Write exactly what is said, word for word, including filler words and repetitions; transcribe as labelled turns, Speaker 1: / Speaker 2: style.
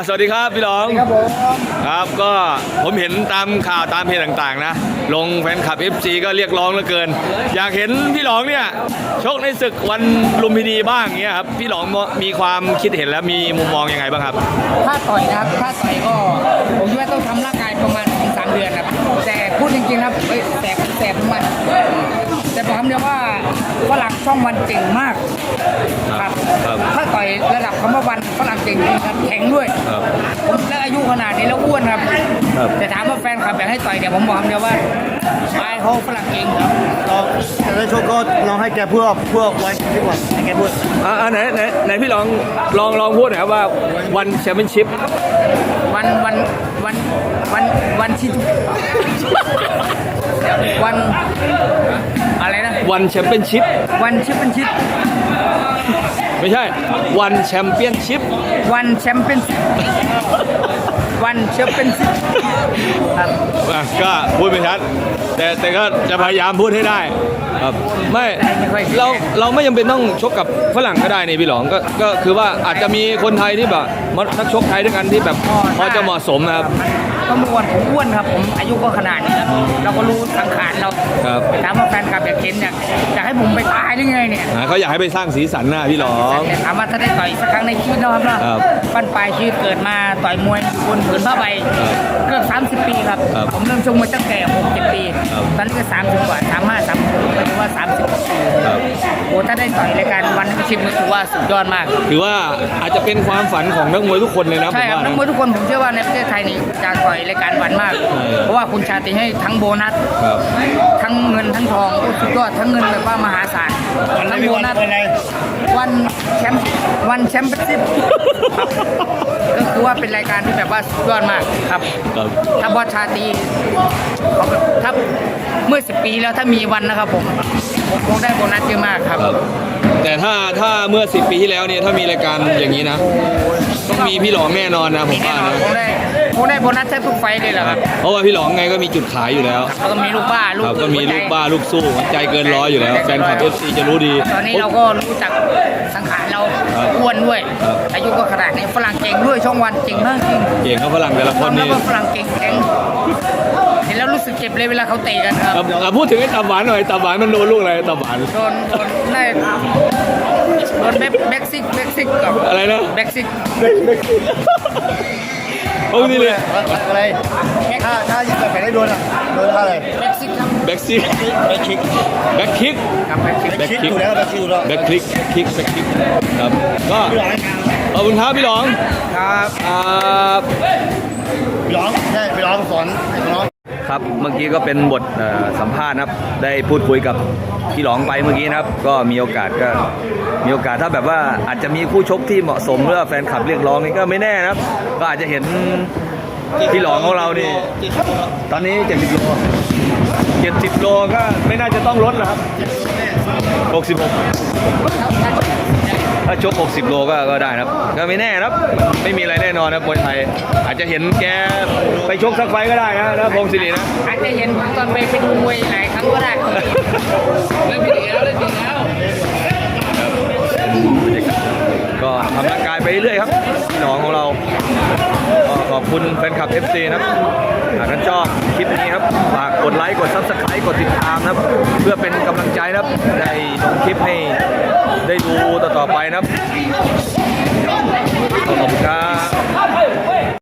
Speaker 1: สวัสดีครับพี่หลองครับผมครับก็ผมเห็นตามข่าวตามเพจต่างๆนะลงแฟนคลับ เอฟ ซี ก็เรียกร้องเหลือเกินอยากเห็นพี่หลองเนี่ยชกในศึกวันลุมพินีบ้างเงี้ยครับพี่หลองมีความคิดเห็นและมีมุมมองยังไงบ้างครับ
Speaker 2: ถ้าต่อยนะครับถ้าต่อยก็ผมคิดว่าต้องทำร่างกายประมาณสองสามเดือนครับแต่พูดจริงๆครับเอ้ยแสบแสบมันแต่ผมเดียวว่าฝรั่งช่องวันเก่งมากครับถ้าต่อยระดับคำว่าวันฝรั่งเก่งครับแข็งด้วยผมแล้วอายุขนาดนี้แล้วอ้วนครับแต่ถามว่าแฟนคลับอยากให้ต่อยเดี๋ยวผมบอกเดียวว่าไปเขาฝรั่งเก่งครับ
Speaker 3: เราจะได้โชคก็ลองให้แกพูดพวกไว้ดีกว่าให้แกพูด
Speaker 1: อ่าไหนไหนไหนพี่ลองลองลองพูดหน่อยครับว่าวันแชมเปี้ยนชิพ
Speaker 2: วันวันวันวันวันที่วันอะไรนะ
Speaker 1: วันแชมเปี้ยนชิพ
Speaker 2: วันแชมเปี้ยนชิพ
Speaker 1: ไม่ใช่วันแชมเปี้ยนชิพ
Speaker 2: วันแชมเปี้ยนวันแชมเปี้ยนชิพครับ
Speaker 1: ก็พูดไม่ชัดแต่แต่ก็จะพยายามพูดให้ได้ครับไม่เราเราไม่จำเป็นต้องชกกับฝรั่งก็ได้นี่พี่หลองก็ก็คือว่าอาจจะมีคนไทยที่แบบนักชกไทยด้วยกันที่แบบพอจะเหมาะสมนะครับ
Speaker 2: ก็เมื่อวันผมอ้วนครับผมอายุก็ขนาดนี้แล้วเราก็รู้สังขารเราถามว่าแฟนคลับอยากเห็นอยากอยากให้ผมไปตายได้ไงเนี่ย
Speaker 1: เขาอยากให้ไปสร้างสีสันหน้าพี่หลอง
Speaker 2: แต่ถามว่าถ้าได้ต่อยสักครั้งในชีวิตนะครับเนาะปั้นปลายชีวิตเกิดมาต่อยมวยบนผืนผ้าใบเกือบสามสิบปีครับผมเริ่มชกมวยตั้งแต่หกเจ็ดปีตอนนี้ก็สามสิบกว่าสามห้าสามหกก็ถือว่าสามสิบปีโอ้ถ้าได้ต่อยรายการวันชิปมันถือว่าสุดยอดมาก
Speaker 1: ถือว่าอาจจะเป็นความฝันของนักมวยทุกคนเลยนะ
Speaker 2: ใช่ครับนักมวยทุกคนผมเชื่อว่าในประเทศไทยนี่จะต่อยรายการวันมากเพราะว่าคุณชาติให้ทั้งโบนัสทั้งเงินทั้งทองสุดยอดทั้งเงินแบบว่ามหาศาลทั้งโบนัสวันแชมป์วันแชมป์ชิปก็คือว่าเป็นรายการที่แบบว่าสุดยอดมากครับถ้าบอสชาติเขาแบบถ้าเมื่อสิบปีแล้วถ้ามีวันนะครับผมผมคงได้โบนัสเยอะมากครับ
Speaker 1: แต่ถ้าถ้าเมื่อสิบปีที่แล้วเนี่ยถ้ามีรายการอย่างนี้นะต้องมีพี่หลองแน่นอนนะผมว่านะ
Speaker 2: คงได้คงได้โบนัสแทบทุกไฟเลยแหละครับ
Speaker 1: เพราะว่าพี่หลองไงก็มีจุดขายอยู่แล้ว
Speaker 2: ก็มีลูกบ้าลูก
Speaker 1: ก็มีลูกบ้าลูกสู้หัวใจเกินร้อยอยู่แล้วแฟนคลับ เอฟ ซี จะรู้ดี
Speaker 2: ตอนนี้เราก็รู้จักสังขารเราอ้วนด้วยอายุก็ขนาดนี้ฝรั่งเก่งด้วยช่องวันเก่งมากจริง
Speaker 1: เก่งเขาฝรั่งแต่ละคนนี่
Speaker 2: ฝรั่งเก่งแข็งเห็นแล้วรู้สึกเจ็บเลยเวลาเขาเตะกันครับ
Speaker 1: พูดถึงไอ้ตับหวานหน่อยตับหวานมันโดนลูกอะไรตับหวาน
Speaker 2: โดนโดนได้โดนแบ็กซิกแบ็กซิกกับ
Speaker 1: อะไรนะ
Speaker 2: แบ็กซิก
Speaker 1: โอ้นี่เลย
Speaker 3: อะไรถ้าถ้ายิงแบบไหนได้โดนอ่ะโดนอะไร
Speaker 2: แบ็กซิกครับ
Speaker 1: แบ็กซิก
Speaker 3: แบ็กคิก
Speaker 1: แบ็กคิก
Speaker 2: ครับแบ็กคิก
Speaker 3: แบ็กคิกอยู่แล้วแบ็กคิกอยู่แล้ว
Speaker 1: แบ็กคิกคิกแบ็กคิกครับก็ขอบคุณครับพี่หลอง
Speaker 2: ครับ
Speaker 1: ครับ
Speaker 3: พี่หลองใช่พี่หลองสอนให้น้อง
Speaker 1: ครับเมื่อกี้ก็เป็นบทสัมภาษณ์นะครับได้พูดคุยกับพี่หลองไปเมื่อกี้นะครับก็มีโอกาสก็มีโอกาสถ้าแบบว่าอาจจะมีคู่ชกที่เหมาะสมเพื่อแฟนคลับเรียกร้องนี่ก็ไม่แน่นะครับก็อาจจะเห็นพี่หลองของเรานี่ตอนนี้เจ็ดสิบโลเจ็ดสิบโลก็ไม่น่าจะต้องลดแล้วครับหกสิบหกถ้าชกหกสิบโลก็ก็ได้นะครับก็ไม่แน่นะครับไม่มีอะไรแน่นอนนะมวยไทยอาจจะเห็นแกไปชกสักไฟก็ได้นะนะพงศิรินะ
Speaker 2: อาจจะเห็นตอนไปไปดูมวยหลายครั้งก็ได้เล่นดีแล้วเล่นดีแล้ว
Speaker 1: ก็ทำร่างกายไปเรื่อยครับพี่น้องของเราก็ขอบคุณแฟนคลับ เอฟ ซี นะครับหากท่านชอบคลิปนี้ครับฝากกดไลค์กด ซับสไครบ์ กดติดตามนะครับเพื่อเป็นกำลังใจนะครับได้ลงคลิปให้ได้ดูต่อๆไปนะครับขอบ